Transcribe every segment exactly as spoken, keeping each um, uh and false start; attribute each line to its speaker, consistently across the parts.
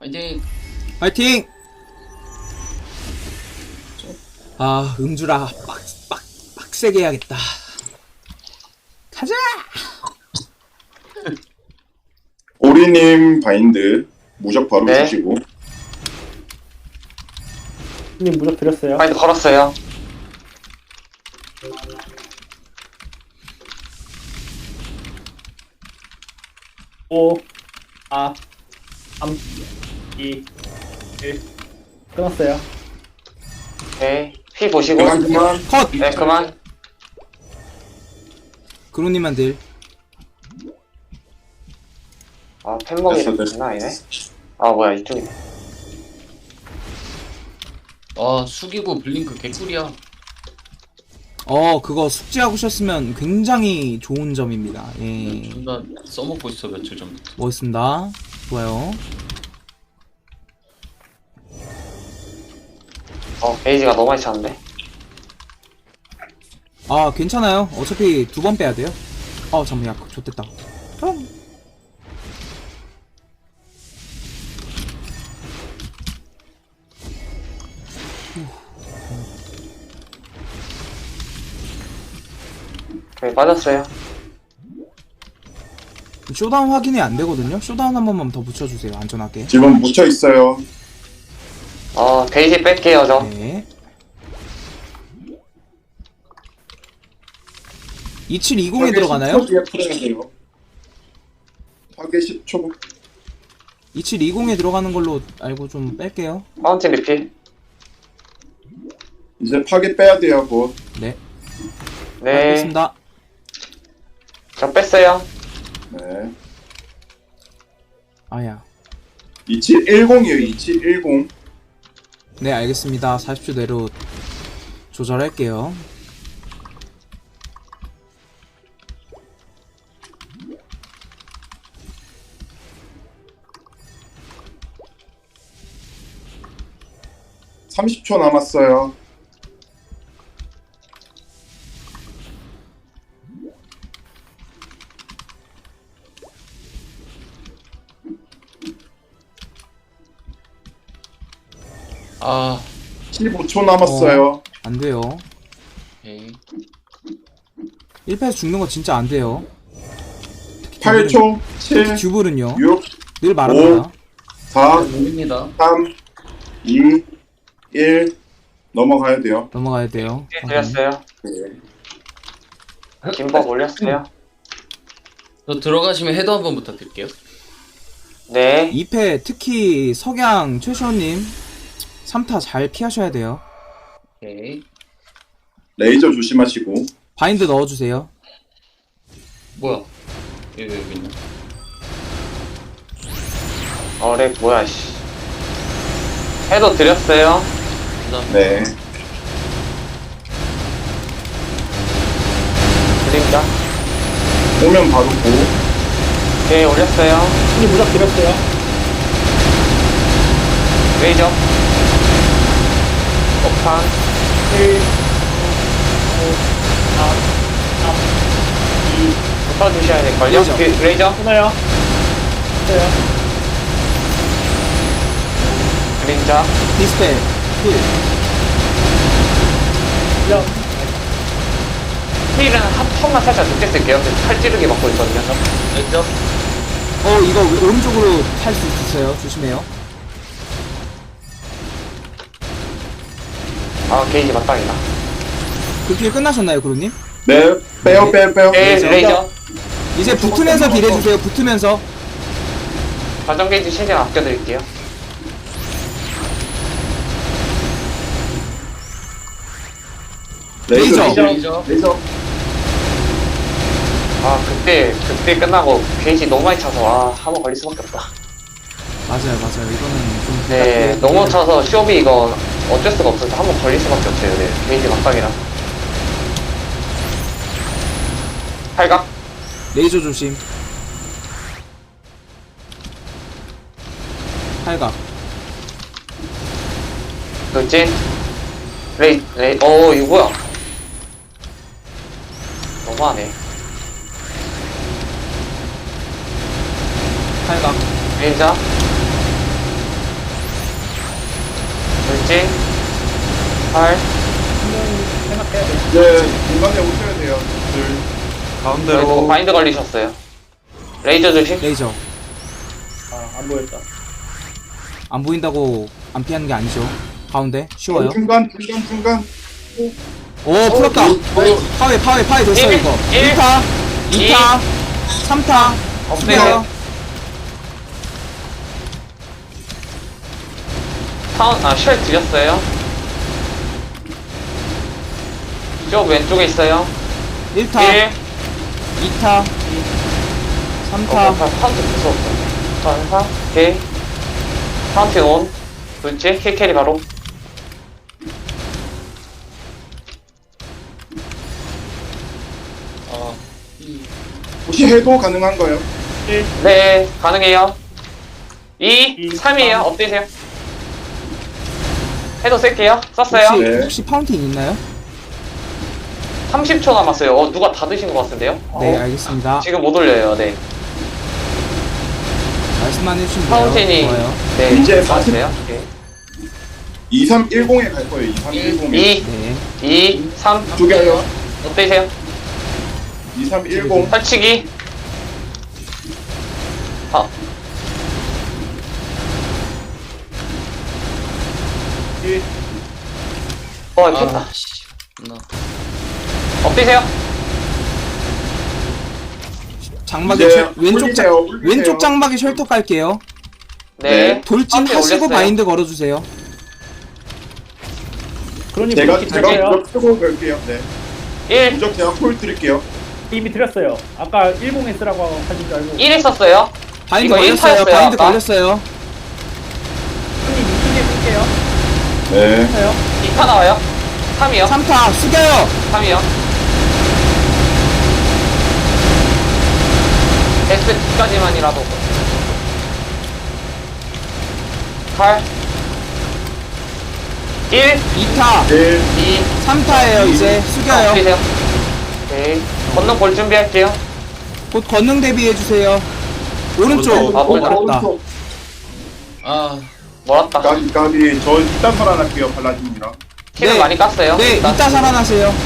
Speaker 1: 화이팅!
Speaker 2: 파이팅! 아, 음주라 빡, 빡, 빡세게 해야겠다. 가자!
Speaker 3: 오리님 바인드 무적 바로
Speaker 4: 네.
Speaker 3: 주시고.
Speaker 5: 님 무적 드렸어요.
Speaker 4: 바인드 걸었어요.
Speaker 5: 오, 사, 삼, 이, 일. 끊었어요.
Speaker 4: 오케이. 피 보시고.
Speaker 3: 그만 그만.
Speaker 2: 컷!
Speaker 4: 네, 그만.
Speaker 2: 그로님만 딜.
Speaker 4: 아, 팬먹이
Speaker 3: 됐어, 됐어.
Speaker 4: 장난 아니네. 아, 뭐야, 이쪽이네.
Speaker 1: 아, 숙이고 블링크 개꿀이야.
Speaker 2: 어, 그거 숙지하고 오셨으면 굉장히 좋은 점입니다. 예.
Speaker 1: 존나 써먹고 있어, 며칠 전부터.
Speaker 2: 멋있습니다. 좋아요.
Speaker 4: 어, 베이지가 너무 많이 찼는데.
Speaker 2: 아, 괜찮아요. 어차피 두 번 빼야 돼요. 아, 잠깐만, 야, 좋됐다. 형.
Speaker 4: 오케이, 빠졌어요.
Speaker 2: 쇼다운 확인이 안 되거든요. 쇼다운 한 번만 더 붙여주세요. 안전하게.
Speaker 3: 지금 묻혀 있어요.
Speaker 4: 어, 베이지 뺄게요, 저.
Speaker 2: 네. 이칠이공에 들어가나요?
Speaker 3: 십 초 뒤에 풀어야 돼요. 파괴 십 초.
Speaker 2: 이칠이공에 들어가는 걸로 알고 좀 뺄게요.
Speaker 4: 파운틴 리필.
Speaker 3: 이제 파괴 빼야 돼요, 곧.
Speaker 2: 네.
Speaker 4: 네.
Speaker 2: 알겠습니다.
Speaker 4: 저 뺐어요.
Speaker 3: 네.
Speaker 2: 아야.
Speaker 3: 이칠일공이에요, 이칠일공.
Speaker 2: 네, 알겠습니다. 사십 초 내로 조절할게요.
Speaker 3: 삼십 초 남았어요.
Speaker 1: 아,
Speaker 3: 십오 초 남았어요.
Speaker 2: 안 돼요.
Speaker 1: 오케이.
Speaker 2: 일 패에서 죽는 거 진짜 안 돼요.
Speaker 3: 팔 초, 칠,
Speaker 2: 듀블은요.
Speaker 3: 육,
Speaker 2: 늘 말합니다.
Speaker 3: 사,
Speaker 1: 모릅니다.
Speaker 3: 삼, 이, 일. 넘어가야 돼요.
Speaker 2: 넘어가야 돼요.
Speaker 4: 네, 드렸어요.
Speaker 3: 네.
Speaker 4: 김밥 올렸어요.
Speaker 1: 저 들어가시면 헤더 한번 부탁드릴게요.
Speaker 4: 네.
Speaker 2: 이 패 특히 석양 최시원님 삼 타 잘 피하셔야 돼요.
Speaker 1: 오케이.
Speaker 3: 레이저 조심하시고.
Speaker 2: 바인드 넣어주세요.
Speaker 1: 뭐야? 여기, 여기 있네.
Speaker 4: 어, 렉 뭐야, 씨. 해도 드렸어요.
Speaker 1: 감사합니다.
Speaker 3: 네.
Speaker 4: 드립니다.
Speaker 3: 오면 바로 고.
Speaker 4: 오케이, 올렸어요.
Speaker 5: 님 무적 드렸어요.
Speaker 4: 레이저. 폭탄.
Speaker 5: 일, 오, 사, 삼, 이.
Speaker 4: 폭탄 주셔야 될걸요?
Speaker 2: 레이저.
Speaker 4: 그, 레이저.
Speaker 5: 끊어요. 끊어요.
Speaker 4: 그림자.
Speaker 2: 디스펠 힐.
Speaker 5: 영.
Speaker 4: 힐은 한 턴만 살짝 늦게 쓸게요. 팔 찌르기 맞고 있거든요. 저.
Speaker 1: 레이저?
Speaker 2: 어, 이거 오른쪽으로 탈 수 있어요. 조심해요.
Speaker 4: 아, 게이지 맞당이다.
Speaker 2: 그 길 끝나셨나요, 그로님?
Speaker 3: 네. 빼요, 빼요, 빼요.
Speaker 4: 네,
Speaker 2: 레이저.
Speaker 4: 레이저.
Speaker 2: 이제 붙으면서 딜해주세요. 붙으면서.
Speaker 4: 관전 게이지 최대한 아껴드릴게요.
Speaker 3: 레이저.
Speaker 2: 레이저.
Speaker 1: 레이저?
Speaker 3: 레이저.
Speaker 4: 아, 그때, 그때 끝나고 게이지 너무 많이 차서, 아, 한번 걸릴 수밖에 없다.
Speaker 2: 맞아요, 맞아요. 이거는 좀.
Speaker 4: 네, 너무 차서 쇼비 이거 어쩔 수가 없어서 한번 걸릴 수밖에 없어요. 네, 게이지 막상이라. 팔각?
Speaker 2: 레이저 조심. 팔각.
Speaker 4: 돌진? 레이, 레이, 어, 이거 뭐야? 너무하네.
Speaker 2: 팔각.
Speaker 4: 레이저? 돌진. 팔.
Speaker 5: 분명히 생각해야 돼.
Speaker 3: 네, 중간에 오셔야 돼요. 둘.
Speaker 4: 저희 누구
Speaker 6: 가운데로
Speaker 4: 바인드 걸리셨어요. 레이저 조심.
Speaker 2: 레이저.
Speaker 5: 아, 안 보였다.
Speaker 2: 안 보인다고 안 피하는 게 아니죠. 가운데 쉬워요.
Speaker 3: 중간, 중간, 중간.
Speaker 2: 오 풀었다. 파웨 파웨 파웨 됐어
Speaker 4: 일,
Speaker 2: 이거.
Speaker 4: 일,
Speaker 2: 일 타, 이 타, 삼 타.
Speaker 4: 없애요.
Speaker 2: 숙여요.
Speaker 4: 타운, 아, 쉘 드렸어요. 쪽 왼쪽에 있어요.
Speaker 2: 일 타,
Speaker 4: 일.
Speaker 2: 이 타, 삼
Speaker 4: 어,
Speaker 2: 타.
Speaker 4: 파운트 무서웠어. 전사, 오케이. 파운틴 온. 둘째, 킬캐리 바로.
Speaker 1: 아, 이,
Speaker 3: 혹시 해도 가능한가요?
Speaker 5: 일,
Speaker 4: 네, 가능해요. 이,
Speaker 5: 이,
Speaker 4: 삼이에요.
Speaker 5: 삼.
Speaker 4: 엎드세요. 해도 쓸게요. 썼어요.
Speaker 2: 혹시
Speaker 3: 네.
Speaker 2: 혹시 파운틴 있나요?
Speaker 4: 삼십 초 남았어요. 어, 누가 다 드신 것 같은데요?
Speaker 2: 네
Speaker 4: 어,
Speaker 2: 알겠습니다.
Speaker 4: 지금 못 올려요. 네.
Speaker 2: 말씀만 해주시면 돼요.
Speaker 4: 파운틴이,
Speaker 2: 좋아요.
Speaker 4: 네,
Speaker 3: 이제
Speaker 4: 맞았어요. 오케이.
Speaker 3: 이삼일공에 갈 거예요. 이삼일공에.
Speaker 4: 이,
Speaker 2: 네.
Speaker 4: 이, 삼.
Speaker 3: 죽여요.
Speaker 4: 엎드세요.
Speaker 3: 이삼일공.
Speaker 4: 설치기. 아,
Speaker 5: 일,
Speaker 4: 어, 켰다.
Speaker 1: 아, 씨. 나.
Speaker 4: 엎드세요.
Speaker 2: 장막에
Speaker 3: 이제
Speaker 2: 쉘- 왼쪽 장
Speaker 3: 올리세요, 올리세요.
Speaker 2: 왼쪽 장막에 쉘터 깔게요.
Speaker 4: 네.
Speaker 2: 돌진
Speaker 4: 파운틴
Speaker 2: 하시고
Speaker 4: 올렸어요.
Speaker 2: 바인드 걸어주세요.
Speaker 5: 그러니
Speaker 3: 제가,
Speaker 5: 무적
Speaker 3: 제가
Speaker 5: 드릴게요.
Speaker 3: 무적 쓰고 갈게요. 네.
Speaker 4: 일,
Speaker 3: 무적 제가 콜 드릴게요.
Speaker 5: 이미 드렸어요. 아까 일공에 쓰라고 하신 줄 알고.
Speaker 4: 일 했었어요.
Speaker 2: 바인드
Speaker 4: 이거 일
Speaker 2: 걸렸어요.
Speaker 4: 타였어요,
Speaker 2: 바인드
Speaker 4: 아까.
Speaker 2: 걸렸어요.
Speaker 5: 손님 이쪽에 쓸게요.
Speaker 3: 네.
Speaker 5: 해요.
Speaker 4: 이 타 나와요. 삼이요.
Speaker 2: 삼 타 숙여요.
Speaker 4: 삼이요. 에스 뒤까지만이라도. 팔. 일,
Speaker 2: 이 타,
Speaker 3: 일.
Speaker 4: 이,
Speaker 2: 삼 타예요. 이제 숙여요.
Speaker 4: 엎드세요. 오케이. 건너 볼 준비할게요.
Speaker 2: 곧 권능 대비해 주세요. 오른쪽.
Speaker 4: 아,
Speaker 2: 오,
Speaker 4: 오른쪽.
Speaker 2: 알았다.
Speaker 3: 오른쪽.
Speaker 1: 아,
Speaker 4: 멀었다.
Speaker 3: 까비, 까비. 저 일단 살아날게요. 발라줍니다.
Speaker 4: 킬을
Speaker 2: 네.
Speaker 4: 많이 깠어요.
Speaker 2: 네,
Speaker 4: 일단.
Speaker 2: 이따 살아나세요.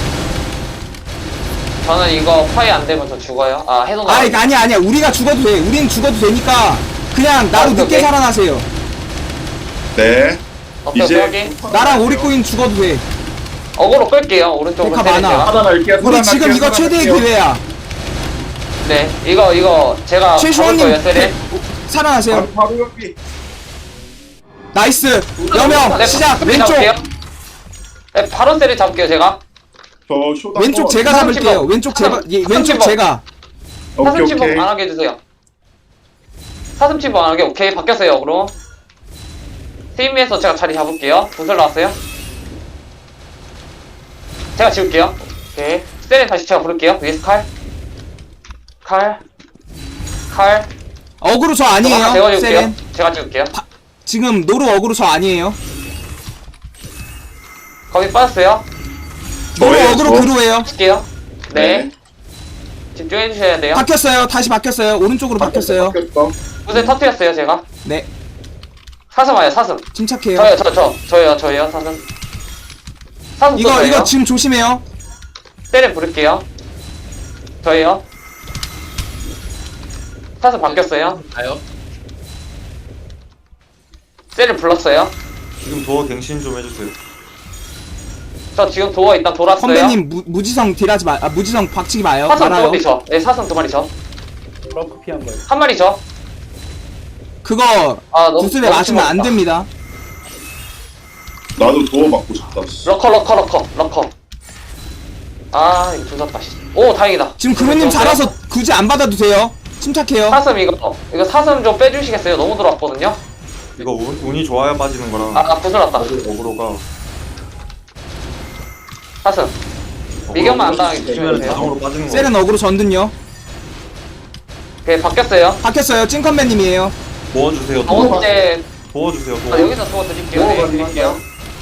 Speaker 4: 저는 이거 파이 안 되면 저 죽어요. 아, 해도
Speaker 2: 아,
Speaker 4: 나와요.
Speaker 2: 이거 아니야, 아니야. 우리가 죽어도 돼. 우린 죽어도 되니까 그냥 나로
Speaker 4: 아, 오케이,
Speaker 2: 늦게
Speaker 4: 오케이.
Speaker 2: 살아나세요.
Speaker 3: 네.
Speaker 4: 오케이,
Speaker 3: 이제
Speaker 4: 확인.
Speaker 2: 나랑 오리코인 죽어도 돼.
Speaker 4: 어그로 끌게요. 오른쪽으로
Speaker 2: 데카
Speaker 4: 때릴
Speaker 2: 많아.
Speaker 4: 제가.
Speaker 3: 살아날게요.
Speaker 2: 우리
Speaker 3: 살아날게요.
Speaker 2: 지금 이거 최대의
Speaker 3: 살아날게요.
Speaker 2: 기회야.
Speaker 4: 네, 이거 이거 제가 잡을
Speaker 2: 최시원님
Speaker 4: 거예요, 세례.
Speaker 2: 살아나세요.
Speaker 3: 바로, 바로 여기.
Speaker 2: 나이스. 여명
Speaker 4: 네,
Speaker 2: 시작.
Speaker 4: 스피드
Speaker 2: 왼쪽.
Speaker 4: 잡을게요. 네, 바로 세례 잡을게요, 제가.
Speaker 3: 저 쇼다.
Speaker 2: 왼쪽 제가
Speaker 4: 사슴
Speaker 2: 잡을게요.
Speaker 4: 집어.
Speaker 2: 왼쪽 제가
Speaker 4: 사슴
Speaker 2: 예, 왼쪽
Speaker 4: 집어.
Speaker 2: 제가.
Speaker 3: 오케이,
Speaker 4: 사슴 침범
Speaker 3: 오케이.
Speaker 4: 안 하게 해주세요. 사슴 침범 안 하게, 오케이. 바뀌었어요, 어그로. 스위미에서 제가 자리 잡을게요. 구슬 나왔어요. 제가 지울게요. 오케이. 세례 다시 제가 부를게요. 위에서 칼. 칼. 칼.
Speaker 2: 어그로 저
Speaker 4: 제가
Speaker 2: 아니에요.
Speaker 4: 지울게요.
Speaker 2: 세렌.
Speaker 4: 제가 지울게요.
Speaker 2: 지금 노루 어그로 저 아니에요.
Speaker 4: 거기 빠졌어요.
Speaker 2: 노루
Speaker 3: 저예요,
Speaker 2: 어그로
Speaker 3: 저.
Speaker 2: 그루예요.
Speaker 4: 할게요. 네.
Speaker 3: 네.
Speaker 4: 집중해 주셔야 돼요.
Speaker 2: 바뀌었어요. 다시 바뀌었어요. 오른쪽으로 바뀌었어요.
Speaker 3: 바뀌었어.
Speaker 4: 구슬 터뜨렸어요, 제가.
Speaker 2: 네.
Speaker 4: 사슴 와요, 사슴.
Speaker 2: 침착해요.
Speaker 4: 저요, 저, 저. 저요, 저요, 사슴. 사슴 또
Speaker 2: 이거
Speaker 4: 저예요.
Speaker 2: 이거 지금 조심해요.
Speaker 4: 세례 부를게요. 저예요. 사슴 바뀌었어요.
Speaker 1: 가요?
Speaker 4: 세례 불렀어요.
Speaker 6: 지금 도어 갱신 좀 해주세요.
Speaker 4: 저 지금 도어 일단 돌았어요.
Speaker 2: 선배님 무, 무지성 딜하지 마. 아, 무지성 박치기 마요.
Speaker 4: 사슴 두
Speaker 2: 말아요.
Speaker 4: 마리 저. 네, 사슴 두 마리 저.
Speaker 5: 러프 피한 거예요.
Speaker 4: 한 마리 저.
Speaker 2: 그거
Speaker 4: 아, 너무
Speaker 2: 구슬에
Speaker 4: 너무
Speaker 2: 맞으면 안
Speaker 4: 심하다.
Speaker 2: 됩니다.
Speaker 3: 나도 도어 받고 싶다. 씨.
Speaker 4: 러커, 러커, 러커, 러커. 아, 이거 조졌다. 씨. 오, 다행이다.
Speaker 2: 지금 그루님 잘아서 굳이 안 받아도 돼요. 침착해요.
Speaker 4: 사슴 이거, 이거 사슴 좀 빼주시겠어요? 너무 들어왔거든요.
Speaker 6: 이거 운, 운이 좋아야 빠지는 거라.
Speaker 4: 아, 나 구슬 났다.
Speaker 6: 어그로가.
Speaker 4: 사슴. 미경만 안 당하게
Speaker 6: 치면
Speaker 4: 조심해주세요.
Speaker 6: 자동으로 빠지는 거.
Speaker 2: 세렌 어그로 전든요.
Speaker 4: 오케이, 바뀌었어요.
Speaker 2: 바뀌었어요. 찐컨맨님이에요.
Speaker 6: 도와주세요.
Speaker 4: 두
Speaker 6: 도와,
Speaker 4: 번째,
Speaker 6: 도와주세요.
Speaker 4: 아,
Speaker 6: 도와.
Speaker 4: 여기서 도어 드릴게요.
Speaker 3: 도어
Speaker 4: 네,
Speaker 3: 가능한가요?
Speaker 4: 드릴게요.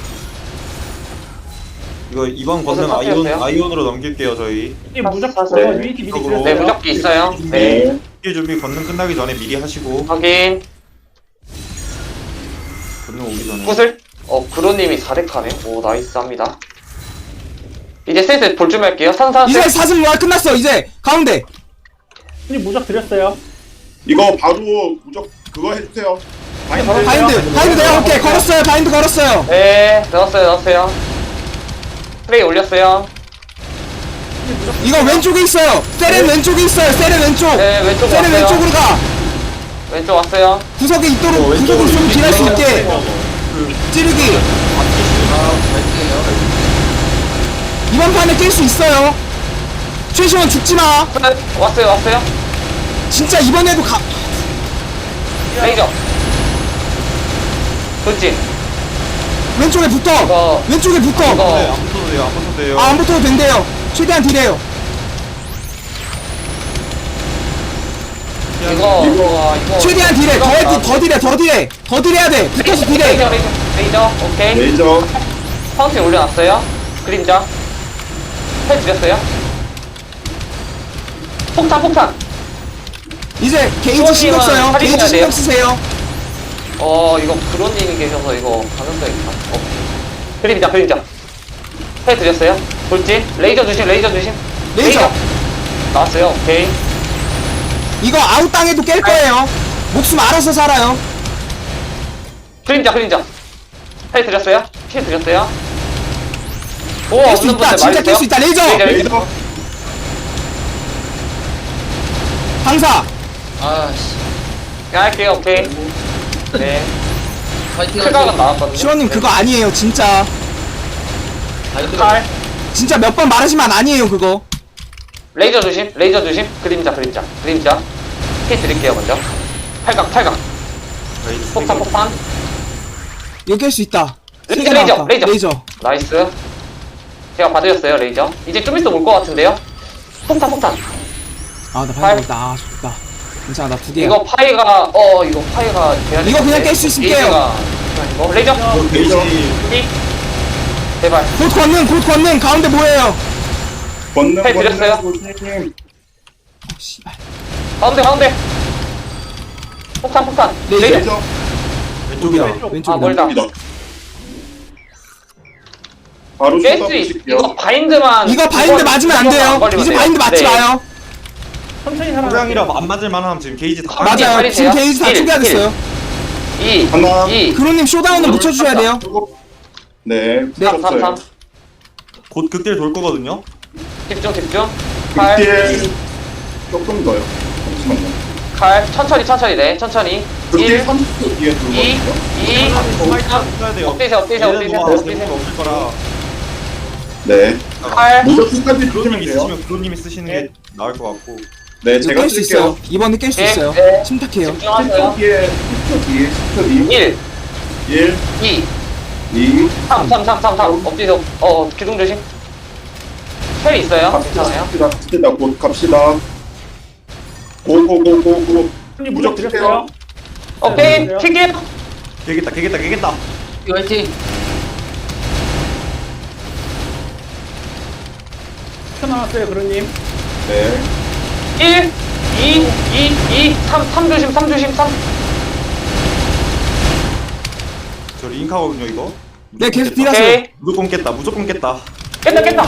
Speaker 6: 이거 이번 건능
Speaker 4: 무슨
Speaker 6: 아이온
Speaker 4: 상태였어요?
Speaker 6: 아이온으로 넘길게요 저희.
Speaker 5: 이 무적
Speaker 4: 사슴.
Speaker 5: 저거 유니티 미리
Speaker 6: 이쪽으로.
Speaker 5: 드렸어요.
Speaker 4: 네, 무적기 있어요. 네.
Speaker 3: 네.
Speaker 6: 일 준비 건능 끝나기 전에 미리 하시고
Speaker 4: 확인.
Speaker 6: 건능 오기 전에.
Speaker 4: 구슬. 어, 그로님이 사 렉하네. 오, 나이스합니다. 이제 슬슬 볼 준비할게요. 산산
Speaker 2: 이제 사슴 노아 끝났어. 이제 가운데.
Speaker 5: 형님 무적 드렸어요.
Speaker 3: 이거 바로 무적 그거 해주세요.
Speaker 5: 바인드.
Speaker 2: 바인드. 바인드 내가 올게. 걸었어요. 바인드 걸었어요.
Speaker 4: 네, 넣었어요, 넣었어요. 프레이 올렸어요.
Speaker 2: 이거 왼쪽에 있어요. 세렌 왼쪽에 있어요. 세렌 왼쪽.
Speaker 4: 네, 왼쪽
Speaker 2: 세렌
Speaker 4: 왔어요.
Speaker 2: 왼쪽으로 가.
Speaker 4: 왼쪽 왔어요.
Speaker 2: 구석에 있도록
Speaker 6: 어, 왼쪽으로
Speaker 2: 구석으로 좀 딜할 수
Speaker 6: 이렇게
Speaker 2: 있게.
Speaker 6: 그
Speaker 2: 찌르기.
Speaker 1: 아, 갈게요.
Speaker 2: 이번 판에 깰 수 있어요. 최시원 죽지 마.
Speaker 4: 네, 왔어요, 왔어요.
Speaker 2: 진짜 이번에도 가.
Speaker 4: 레이저. 돌진.
Speaker 2: 왼쪽에 붙어.
Speaker 4: 이거,
Speaker 2: 왼쪽에 붙어.
Speaker 4: 이거.
Speaker 6: 네, 안 붙어도 돼요. 안 붙어도 돼요.
Speaker 2: 아, 안 붙어도 된대요. 최대한 딜해요.
Speaker 4: 이거, 이거, 이거.
Speaker 2: 최대한 딜해. 더, 해, 더 딜해. 더 딜해. 더 딜해야 돼. 붙어서 딜해.
Speaker 4: 레이저, 레이저, 레이저. 오케이.
Speaker 3: 레이저.
Speaker 4: 파운틴 올려놨어요. 그림자. 헬 드렸어요. 폭탄, 폭탄.
Speaker 2: 이제 게이지 신경 써요.
Speaker 4: 할인해야
Speaker 2: 게이지
Speaker 4: 돼요.
Speaker 2: 신경 쓰세요.
Speaker 4: 어, 이거 그론님이 계셔서 이거 가능성이 있다. 어. 그림자, 그림자. 헬 드렸어요. 돌진. 레이저 주심, 레이저 주심.
Speaker 2: 레이저.
Speaker 4: 나왔어요. 오케이.
Speaker 2: 이거 아웃 땅에도 깰 거예요. 목숨 알아서 살아요.
Speaker 4: 그림자, 그림자. 헬 드렸어요. 피 드렸어요. 오,
Speaker 2: 깰 수
Speaker 4: 없는
Speaker 2: 있다.
Speaker 4: 분들
Speaker 2: 진짜
Speaker 4: 말해주세요.
Speaker 2: 깰 수 있다. 레이저.
Speaker 4: 레이저, 레이저.
Speaker 3: 레이저.
Speaker 2: 방사.
Speaker 1: 아, 씨.
Speaker 4: 야, 할게요. 오케이. 네.
Speaker 1: 파이팅
Speaker 4: 클각은
Speaker 1: 하세요.
Speaker 4: 나왔거든요.
Speaker 2: 시원님 그거 아니에요. 진짜.
Speaker 1: 파이팅
Speaker 4: 칼.
Speaker 2: 진짜 몇 번 말하지만 아니에요. 그거.
Speaker 4: 레이저 조심, 레이저 조심. 그림자, 그림자, 그림자. 피 드릴게요, 먼저. 팔각, 팔각.
Speaker 6: 레이저
Speaker 4: 폭탄,
Speaker 6: 세 개.
Speaker 4: 폭탄.
Speaker 2: 이거 깰 수 있다. 세 개
Speaker 4: 레이저,
Speaker 2: 나왔다.
Speaker 4: 레이저.
Speaker 2: 레이저.
Speaker 4: 나이스. 제가 봐드렸어요, 레이저. 이제 좀 있어 올 것 같은데요? 폭탄, 폭탄.
Speaker 2: 아, 나
Speaker 4: 팔.
Speaker 2: 바인드 있다. 아, 좋다. 괜찮아. 나 두 개야.
Speaker 4: 이거 파이가, 어, 이거 파이가. 돼야
Speaker 2: 이거 그냥
Speaker 4: 되는데.
Speaker 2: 깰 수 있을게요.
Speaker 4: 게이지가 이거. 레이저.
Speaker 6: 어, 게이지.
Speaker 4: 이. 제발.
Speaker 2: 곧 권능. 곧 권능. 가운데 뭐예요?
Speaker 3: 권능
Speaker 4: 해 드렸어요.
Speaker 3: 권능.
Speaker 2: 어, 씨발.
Speaker 4: 가운데, 가운데. 폭탄, 폭탄.
Speaker 2: 레이저.
Speaker 4: 레이저.
Speaker 3: 레이저.
Speaker 6: 왼쪽이다.
Speaker 5: 왼쪽.
Speaker 4: 아,
Speaker 2: 왼쪽이다.
Speaker 4: 멀다.
Speaker 3: 입니다. 바로
Speaker 4: 깰
Speaker 3: 쏟아
Speaker 4: 수 있,
Speaker 3: 부실게요.
Speaker 4: 이거 바인드만.
Speaker 2: 이거 바인드
Speaker 4: 이거-
Speaker 2: 맞으면 안
Speaker 4: 이거만
Speaker 2: 돼요.
Speaker 4: 안 걸리면
Speaker 2: 이제
Speaker 4: 돼요.
Speaker 2: 바인드 맞지
Speaker 4: 네.
Speaker 2: 마요.
Speaker 5: 천천히 살아.
Speaker 6: 소량이라 안 맞을 만하면 지금 게이지 다.
Speaker 4: 아,
Speaker 2: 맞아요.
Speaker 4: 빨리
Speaker 2: 지금
Speaker 4: 돼요.
Speaker 2: 게이지 다
Speaker 4: 일,
Speaker 2: 초기화됐어요.
Speaker 4: 이.
Speaker 3: 하나.
Speaker 4: 이.
Speaker 2: 그로님 쇼다운은 묻혀주셔야 돼요.
Speaker 3: 네.
Speaker 2: 네.
Speaker 4: 삼, 삼, 삼.
Speaker 3: 붙였어요.
Speaker 6: 곧 극딜 돌 거거든요.
Speaker 4: 집중, 집중. 칼.
Speaker 3: 극딜 조금 더요. 잠시만요.
Speaker 4: 칼. 천천히, 천천히, 네. 천천히.
Speaker 3: 극딜
Speaker 4: 일.
Speaker 3: 삼십 초 뒤에
Speaker 4: 이.
Speaker 3: 들어거든요.
Speaker 4: 이.
Speaker 6: 써야 돼요.
Speaker 4: 엎드세요, 엎드세요,
Speaker 6: 얘는
Speaker 4: 엎드세요,
Speaker 6: 뭐 아무
Speaker 4: 엎드세요.
Speaker 6: 재미가 없을 거라.
Speaker 3: 네.
Speaker 4: 칼.
Speaker 3: 무적 끝까지
Speaker 6: 그로님이
Speaker 3: 조심해주세요.
Speaker 6: 쓰시면 그로님이 쓰시는 게 나을 것 같고.
Speaker 3: 네,
Speaker 2: 이거
Speaker 3: 제가
Speaker 2: 깰 수
Speaker 3: 쓸게요.
Speaker 2: 있어요. 이번에 깰 수
Speaker 4: 네,
Speaker 2: 있어요.
Speaker 4: 네.
Speaker 2: 침착해요.
Speaker 3: 십
Speaker 4: 집중하세요.
Speaker 3: 초 뒤에, 십 초 뒤에, 십 초 뒤.
Speaker 4: 일.
Speaker 3: 일,
Speaker 4: 이.
Speaker 3: 이,
Speaker 4: 삼, 삼, 삼, 삼, 삼. 엎드세요. 어, 기둥 조심. 헬 있어요.
Speaker 3: 갑시다.
Speaker 4: 괜찮아요.
Speaker 3: 갑시다. 갑시다. 곧 갑시다. 고고고고고.
Speaker 5: 형님
Speaker 3: 무적
Speaker 5: 무적
Speaker 3: 드릴게요.
Speaker 5: 드렸어요.
Speaker 4: 오케이.
Speaker 5: 네.
Speaker 4: 튀김.
Speaker 6: 깨겠다, 깨겠다, 깨겠다.
Speaker 1: 파이팅.
Speaker 5: 천 나왔어요, 그런님.
Speaker 3: 네.
Speaker 4: 일. 이. 이. 이. 삼. 삼 조심, 삼 조심, 삼.
Speaker 6: 저 링카거든요, 이거.
Speaker 2: 네, 계속
Speaker 6: 무조건 깼다.
Speaker 2: 딜하세요.
Speaker 4: 오케이.
Speaker 6: 무조건 깼다, 무조건 깼다.
Speaker 4: 깼다, 깼다.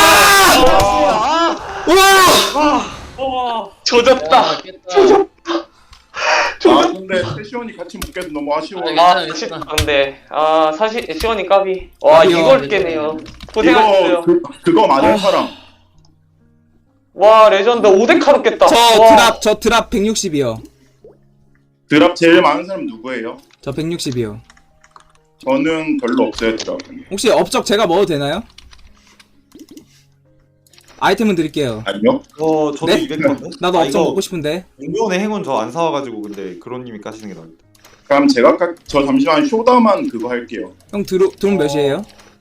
Speaker 2: 깼다! 우와!
Speaker 5: 어.
Speaker 4: 조졌다.
Speaker 1: 아, 깼다.
Speaker 3: 아, 근데 세시원이 같이 못 깨도 너무 아쉬워요.
Speaker 1: 아,
Speaker 4: 아,
Speaker 1: 괜찮아,
Speaker 4: 진짜
Speaker 1: 괜찮아.
Speaker 4: 근데 아 사실 시원이 까비. 와
Speaker 2: 까비요.
Speaker 4: 이걸 깨네요. 고생하셨어요.
Speaker 3: 이거 그, 그거 많은
Speaker 2: 아.
Speaker 3: 사람.
Speaker 4: 와 레전드 오 대 카로 깼다.
Speaker 2: 저
Speaker 4: 와.
Speaker 2: 드랍, 저 드랍 백육십이요.
Speaker 3: 드랍 제일 많은 사람 누구예요?
Speaker 2: 저 백육십이요.
Speaker 3: 저는 별로 없어요, 드랍.
Speaker 2: 혹시 업적 제가 먹어도 되나요? 아이템은 드릴게요.
Speaker 3: 아니요?
Speaker 6: 어, 저도
Speaker 2: 네?
Speaker 6: 이백 건데.
Speaker 2: 나도
Speaker 6: 아,
Speaker 2: 업적
Speaker 6: 이거
Speaker 2: 먹고 싶은데.
Speaker 6: 용병의 행운 저 안 사와가지고 근데 그로님이 까시는 게 나을다.
Speaker 3: 그럼 제가 까, 저 잠시만 쇼다만 그거 할게요.
Speaker 2: 형 드로, 드론 몇이에요?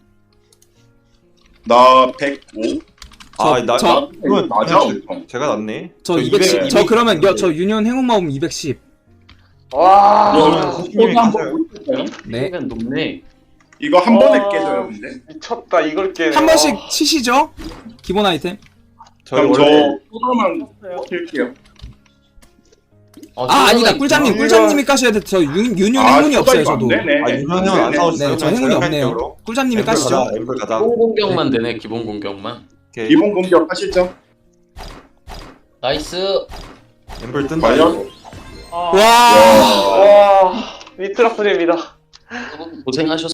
Speaker 3: 나 백오?
Speaker 6: 아,
Speaker 2: 저-
Speaker 6: 나,
Speaker 2: 저-
Speaker 6: 나 이건
Speaker 3: 맞아.
Speaker 6: 맞아. 제가 낫네.
Speaker 2: 저
Speaker 6: 이백,
Speaker 2: 이백십. 저
Speaker 6: 이백.
Speaker 2: 그러면 여, 저 유년 행운 마음 이백십.
Speaker 4: 와.
Speaker 6: 그러면 선생님이 가세요.
Speaker 2: 네.
Speaker 1: 시간 높네.
Speaker 3: 이거 한 번에
Speaker 4: 와.
Speaker 3: 깨져요, 근데.
Speaker 4: 미쳤다 이걸 깨네.
Speaker 2: 한 번씩 치시죠? 기본 아이템.
Speaker 6: 저희
Speaker 3: 그럼 저
Speaker 6: 원래
Speaker 3: 쇼다만 킬게요.
Speaker 1: 어,
Speaker 2: 아 아니다
Speaker 1: 있구나.
Speaker 2: 꿀잠님
Speaker 3: 아,
Speaker 2: 꿀잠님이 까셔야 돼. 저 윤, 윤용
Speaker 3: 아,
Speaker 2: 행운이 없어요 저도.
Speaker 5: 네네.
Speaker 6: 아 윤현 형은 안
Speaker 3: 네네.
Speaker 6: 싸워주세요.
Speaker 2: 네 저 행운이 없네요. 꿀잠님이
Speaker 6: 엠플
Speaker 2: 까시죠.
Speaker 6: 가자. 엠플 가자.
Speaker 1: 기본 공격만 되네 기본 공격만.
Speaker 6: 오케이.
Speaker 3: 기본 공격 하시죠.
Speaker 1: 나이스.
Speaker 6: 엠플 뜬다.
Speaker 3: 과연?
Speaker 5: 아,
Speaker 2: 와.
Speaker 4: 와, 미트라프입니다.
Speaker 1: 고생하셨습니다.